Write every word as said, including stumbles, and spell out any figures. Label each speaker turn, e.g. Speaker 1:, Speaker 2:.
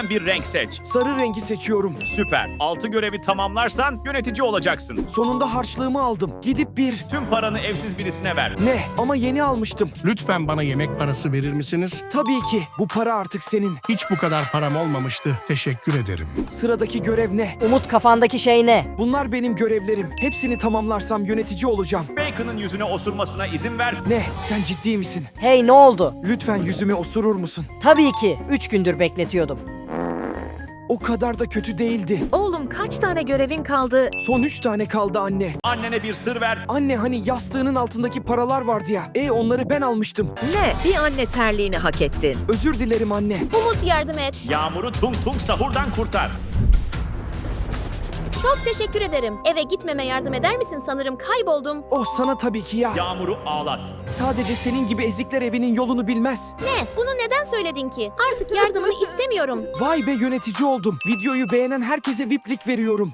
Speaker 1: görevinden bir renk seç.
Speaker 2: Sarı rengi seçiyorum.
Speaker 1: Süper. altı görevi tamamlarsan yönetici olacaksın.
Speaker 2: Sonunda harçlığımı aldım. Gidip bir...
Speaker 1: Tüm paranı evsiz birisine ver.
Speaker 2: Ne? Ama yeni almıştım.
Speaker 3: Lütfen bana yemek parası verir misiniz?
Speaker 2: Tabii ki. Bu para artık senin.
Speaker 3: Hiç bu kadar param olmamıştı. Teşekkür ederim.
Speaker 2: Sıradaki görev ne?
Speaker 4: Umut, kafandaki şey ne?
Speaker 2: Bunlar benim görevlerim. Hepsini tamamlarsam yönetici olacağım.
Speaker 1: Bacon'ın yüzüne osurmasına izin ver.
Speaker 2: Ne? Sen ciddi misin?
Speaker 4: Hey, ne oldu?
Speaker 2: Lütfen yüzüme osurur musun?
Speaker 4: Tabii ki. Üç gündür bekletiyordum.
Speaker 2: O kadar da kötü değildi.
Speaker 5: Oğlum kaç tane görevin kaldı?
Speaker 2: Son üç tane kaldı anne.
Speaker 1: Annene bir sır ver.
Speaker 2: Anne hani yastığının altındaki paralar vardı ya. E onları ben almıştım.
Speaker 5: Ne? Bir anne terliğini hak ettin.
Speaker 2: Özür dilerim anne.
Speaker 6: Umut yardım et.
Speaker 1: Yağmur'u tung tung sahurdan kurtar.
Speaker 6: Çok teşekkür ederim. Eve gitmeme yardım eder misin? Sanırım kayboldum.
Speaker 2: Oh sana tabii ki ya.
Speaker 1: Yağmur'u ağlat.
Speaker 2: Sadece senin gibi ezikler evinin yolunu bilmez.
Speaker 6: Ne? Bunu neden söyledin ki? Artık yardımını istemiyorum.
Speaker 2: Vay be yönetici oldum. Videoyu beğenen herkese V I P'lik veriyorum.